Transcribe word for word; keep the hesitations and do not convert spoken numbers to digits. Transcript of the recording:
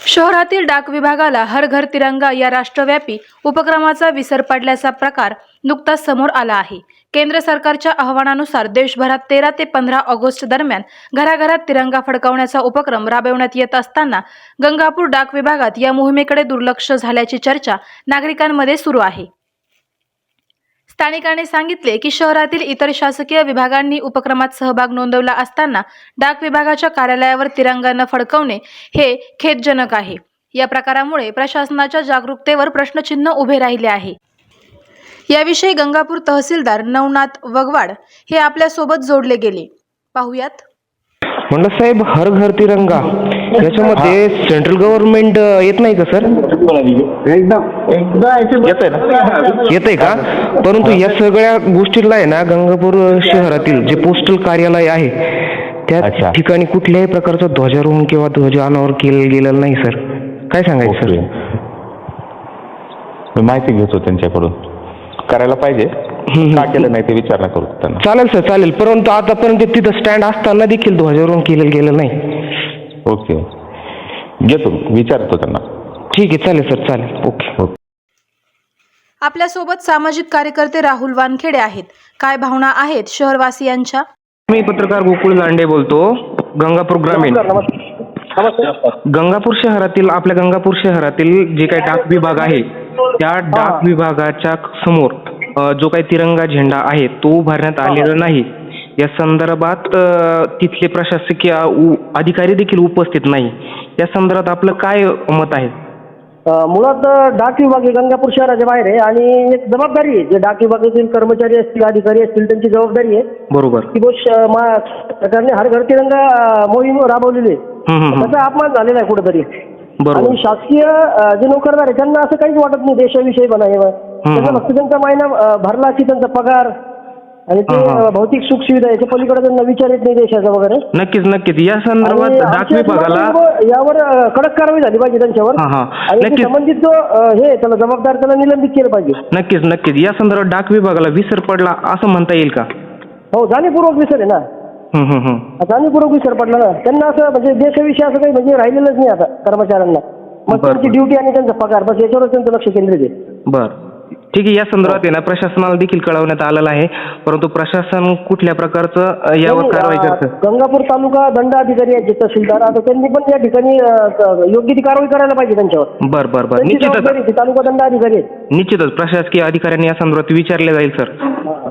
शहरातील डाक विभागाला हर घर तिरंगा या राष्ट्रव्यापी उपक्रमाचा विसर पडल्याचा प्रकार नुकताच समोर आला आहे। केंद्र सरकारच्या आवाहनानुसार देशभरात तेरा ते पंधरा ऑगस्ट दरम्यान घराघरात तिरंगा फडकवण्याचा उपक्रम राबवण्यात येत असताना गंगापूर डाक विभागात या मोहिमेकडे दुर्लक्ष झाल्याची चर्चा नागरिकांमध्ये सुरू आहे। स्थानिकांनी सांगितले की शहरातील इतर शासकीय विभागांनी उपक्रमात सहभाग नोंदवला असताना डाक विभागाच्या कार्यालयावर तिरंगा न फडकवणे हे खेदजनक आहे। या प्रकारामुळे प्रशासनाच्या जागरूकतेवर प्रश्नचिन्ह उभे राहिले आहे। याविषयी गंगापूर तहसीलदार नवनाथ वगवाड हे आपल्या सोबत जोडले गेले। पाहुयात। म्हणलं साहेब, हर घर तिरंगा याच्यामध्ये सेंट्रल गव्हर्नमेंट येत नाही का सर? एकदम येत आहे ना? येत आहे का? परंतु या सगळ्या गोष्टीला आहे ना, गंगापूर शहरातील जे पोस्टल कार्यालय आहे त्या ठिकाणी कुठल्याही प्रकारचं ध्वजारोहण किंवा ध्वज अनावर केलं गेलेलं नाही सर। काय सांगायचं सर? मी माहिती घेतो त्यांच्याकडून, करायला पाहिजे का केलं नाही ते विचारणा करू त्यांना। चालेल सर, चालेल। परंतु आतापर्यंत तिथं स्टँड असताना देखील ध्वजारोहण केलं गेलं नाही। ओके, घेतो, विचारतो त्यांना। ठीक आहे, चालेल सर, चालेल। Okay okay. आपल्या सोबत सामाजिक कार्यकर्ते राहुल वानखेडे आहेत। काय भावना आहेत शहरवासियांच्या? मी पत्रकार गोकुळ लांडे बोलतो, गंगापूर ग्रामीण। गंगापूर शहरातील आपल्या गंगापूर शहरातील जे काही डाक विभाग आहे त्या डाक विभागाच्या समोर जो काही तिरंगा झेंडा आहे तो उभारण्यात आलेला नाही। या संदर्भात तिथले प्रशासकीय अधिकारी देखील उपस्थित नाही। या संदर्भात आपलं काय मत आहे? मुळात डाक विभाग हे गंगापूर शहराच्या बाहेर आहे आणि एक जबाबदारी आहे, जे डाक विभागातील कर्मचारी असतील, अधिकारी असतील, त्यांची जबाबदारी आहे बरोबर की सरकारने हर घर तिरंगा मोहीम राबवलेली आहे, त्याचा अपमान झालेला आहे कुठेतरी। आणि शासकीय जे नोकरदार आहे त्यांना असं काहीच वाटत नाही देशाविषयी बनावं, त्यांना फक्त त्यांचा महिना भरला की त्यांचा पगार आणि ते भौतिक सुख सुविधा याच्या पलीकडे त्यांना विचार येत नाही देशाचा वगैरे। नक्कीच नक्कीच या संदर्भात डाक विभागाला यावर कडक कारवाई झाली पाहिजे त्यांच्यावर आणि संबंधित जो हे त्याला जबाबदार त्याला निलंबित केलं पाहिजे। नक्कीच नक्कीच या संदर्भात डाक विभागाला विसर पडला असं म्हणता येईल का? हो, जाणीवपूर्वक विसर आहे ना, जाणीवपूर्वक विसर पडला ना त्यांना। असं म्हणजे देशाविषयी असं काही म्हणजे राहिलेलंच नाही आता कर्मचाऱ्यांना, मग त्यांची ड्युटी आणि त्यांचा पगार बस याच्यावरच त्यांचं लक्ष केंद्रित आहे। बर, ठीक आहे। या संदर्भात आहे ना प्रशासनाला देखील कळवण्यात आलेलं आहे, परंतु प्रशासन कुठल्या प्रकारचं यावर कारवाई करतं? गंगापूर तालुका दंडाधिकारी आहेत जे तहसीलदार, आता त्यांनी पण या ठिकाणी योग्य ती कारवाई करायला पाहिजे त्यांच्यावर। बर बर बर निश्चितच तालुका दंडाधिकारी आहेत, निश्चितच प्रशासकीय अधिकाऱ्यांनी या संदर्भात विचारले जाईल सर।